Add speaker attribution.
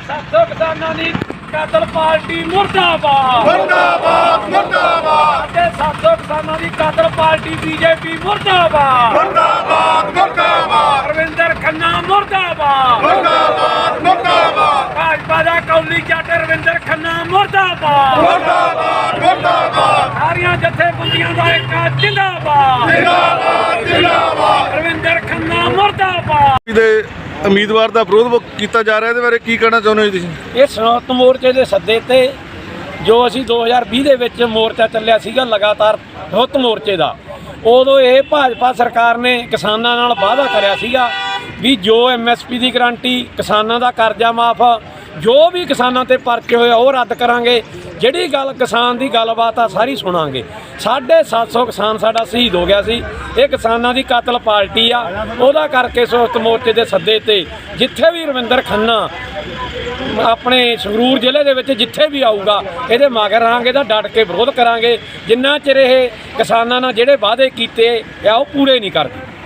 Speaker 1: 700 ਕਿਸਾਨਾਂ ਦੀ ਕਾਤਲ ਪਾਰਟੀ ਮੁਰਦਾਬਾਦ
Speaker 2: ਮੁਰਦਾਬਾਦ ਮੁਰਦਾਬਾਦ
Speaker 1: ਅਤੇ 700 ਕਿਸਾਨਾਂ ਦੀ ਕਾਤਲ ਪਾਰਟੀ ਬੀਜੇਪੀ ਮੁਰਦਾਬਾਦ
Speaker 2: ਮੁਰਦਾਬਾਦ ਮੁਰਦਾਬਾਦ
Speaker 1: ਰਵਿੰਦਰ ਖੰਨਾ ਮੁਰਦਾਬਾਦ
Speaker 2: ਮੁਰਦਾਬਾਦ ਮੁਰਦਾਬਾਦ
Speaker 1: ਭਾਜਪਾ ਦਾ ਕੌਲੀ ਜੱਟ ਰਵਿੰਦਰ ਖੰਨਾ ਮੁਰਦਾਬਾਦ
Speaker 2: ਮੁਰਦਾਬਾਦ ਮੁਰਦਾਬਾਦ
Speaker 1: ਸਾਰੀਆਂ ਜਥੇਬੰਦੀਆਂ ਦਾ ਇੱਕ ਜਿੰਦਾਬਾਦ
Speaker 2: ਜਿੰਦਾਬਾਦ ਜਿੰਦਾਬਾਦ
Speaker 1: ਰਵਿੰਦਰ ਖੰਨਾ ਮੁਰਦਾਬਾਦ
Speaker 3: ਦੇ ਉਮੀਦਵਾਰ ਦਾ ਵਿਰੋਧ ਕੀਤਾ ਜਾ ਰਿਹਾ, ਇਹਦੇ ਬਾਰੇ ਕੀ ਕਹਿਣਾ ਚਾਹੁੰਦੇ ਹੋ ਤੁਸੀਂ?
Speaker 1: ਇਹ ਸੰਯੁਕਤ ਮੋਰਚੇ ਦੇ ਸੱਦੇ ਤੇ ਜੋ ਅਸੀਂ 2020 ਦੇ ਵਿੱਚ ਮੋਰਚਾ ਚੱਲਿਆ ਸੀਗਾ ਲਗਾਤਾਰ ਸੰਯੁਕਤ ਮੋਰਚੇ ਦਾ, ਉਦੋਂ ਇਹ ਭਾਜਪਾ ਸਰਕਾਰ ਨੇ ਕਿਸਾਨਾਂ ਨਾਲ ਵਾਅਦਾ ਕਰਿਆ ਸੀਗਾ ਵੀ ਜੋ MSP ਦੀ ਗਰੰਟੀ, ਕਿਸਾਨਾਂ ਦਾ ਕਰਜ਼ਾ ਮਾਫ, ਜੋ ਵੀ ਕਿਸਾਨਾਂ ਤੇ ਪਰਚੇ ਹੋਏ ਉਹ ਰੱਦ ਕਰਾਂਗੇ। ਜਿਹੜੀ ਗੱਲ ਕਿਸਾਨ ਦੀ ਗੱਲਬਾਤ ਆ ਸਾਰੀ ਸੁਣਾਂਗੇ। 750 ਕਿਸਾਨ ਸਾਡਾ ਸ਼ਹੀਦ ਹੋ ਗਿਆ ਸੀ। ਇਹ ਕਿਸਾਨਾਂ ਦੀ ਕਾਤਲ ਪਾਰਟੀ ਆ, ਉਹਦਾ ਕਰਕੇ ਸੰਯੁਕਤ ਮੋਰਚੇ ਦੇ ਸੱਦੇ ਤੇ ਜਿੱਥੇ ਵੀ ਰਵਿੰਦਰ ਖੰਨਾ ਆਪਣੇ ਸੰਗਰੂਰ ਜ਼ਿਲ੍ਹੇ ਦੇ ਵਿੱਚ ਜਿੱਥੇ ਵੀ ਆਊਗਾ ਇਹਦੇ ਮਗਰ ਰਹਾਂਗੇ, ਤਾਂ ਡਟ ਕੇ ਵਿਰੋਧ ਕਰਾਂਗੇ ਜਿੰਨਾ ਚਿਰ ਇਹ ਕਿਸਾਨਾਂ ਨਾਲ ਜਿਹੜੇ ਵਾਅਦੇ ਕੀਤੇ ਆ ਉਹ ਪੂਰੇ ਨਹੀਂ ਕਰਦੇ।